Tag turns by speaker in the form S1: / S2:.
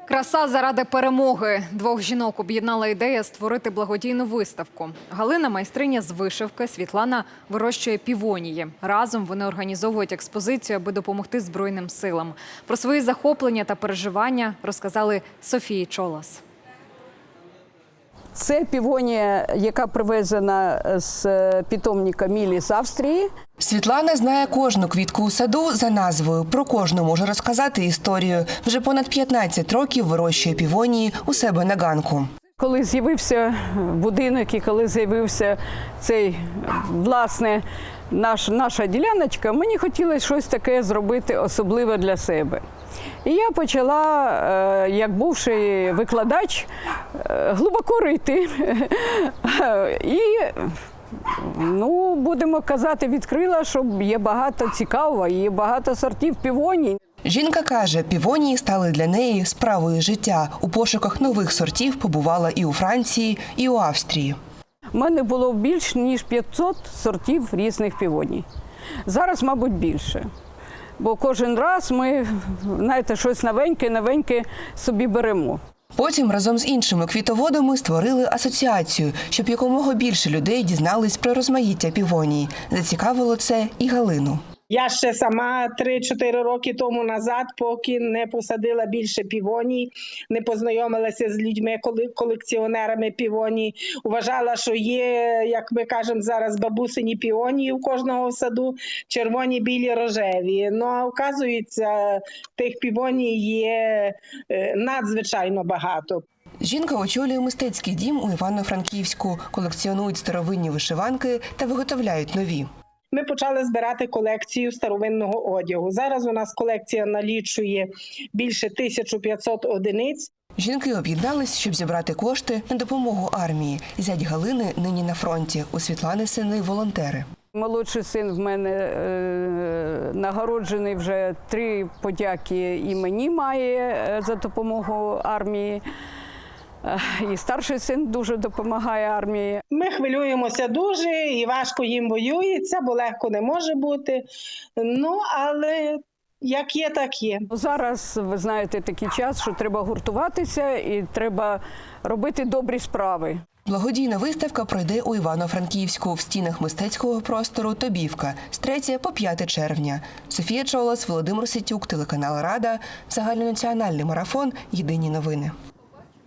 S1: Краса заради перемоги. Двох жінок об'єднала ідея створити благодійну виставку. Галина – майстриня з вишивки, Світлана вирощує півонії. Разом вони організовують експозицію, аби допомогти Збройним силам. Про свої захоплення та переживання розказали Софії Чолас.
S2: Це півонія, яка привезена з питомника Мілі з Австрії.
S3: Світлана знає кожну квітку у саду за назвою. Про кожну може розказати історію. Вже понад 15 років вирощує півонії у себе на ганку.
S2: Коли з'явився будинок і коли з'явився цей, власне, наша діляночка, мені хотілося щось таке зробити особливе для себе. І я почала, як бувший викладач, глибоко рити. І, будемо казати, відкрила, що є багато цікавого, є багато сортів півоній.
S3: Жінка каже, півонії стали для неї справою життя. У пошуках нових сортів побувала і у Франції, і у Австрії.
S2: У мене було більш ніж 500 сортів різних півоній. Зараз, мабуть, більше. Бо кожен раз ми, знаєте, щось новеньке собі беремо.
S3: Потім разом з іншими квітоводами створили асоціацію, щоб якомога більше людей дізнались про розмаїття півоній. Зацікавило це і Галину.
S4: Я ще сама 3-4 роки тому назад, поки не посадила більше півоній, не познайомилася з людьми, колекціонерами півоній, вважала, що є, як ми кажемо зараз, бабусині півонії у кожного в саду, червоні, білі, рожеві. Ну, а оказується, тих півоній є надзвичайно багато.
S3: Жінка очолює мистецький дім у Івано-Франківську, колекціонують старовинні вишиванки та виготовляють нові.
S4: Ми почали збирати колекцію старовинного одягу. Зараз у нас колекція налічує більше 1500 одиниць.
S3: Жінки об'єднались, щоб зібрати кошти на допомогу армії. Зять Галини нині на фронті. У Світлани сини – волонтери.
S2: Молодший син в мене нагороджений вже 3 подяки імені має за допомогу армії. І старший син дуже допомагає армії.
S4: Ми хвилюємося дуже і важко їм воюється, бо легко не може бути. Але як є, так є.
S2: Зараз, ви знаєте, такий час, що треба гуртуватися і треба робити добрі справи.
S3: Благодійна виставка пройде у Івано-Франківську в стінах мистецького простору «Тобівка» з 3 по 5 червня. Софія Чолас, Володимир Ситюк, телеканал «Рада», загальнонаціональний марафон «Єдині новини».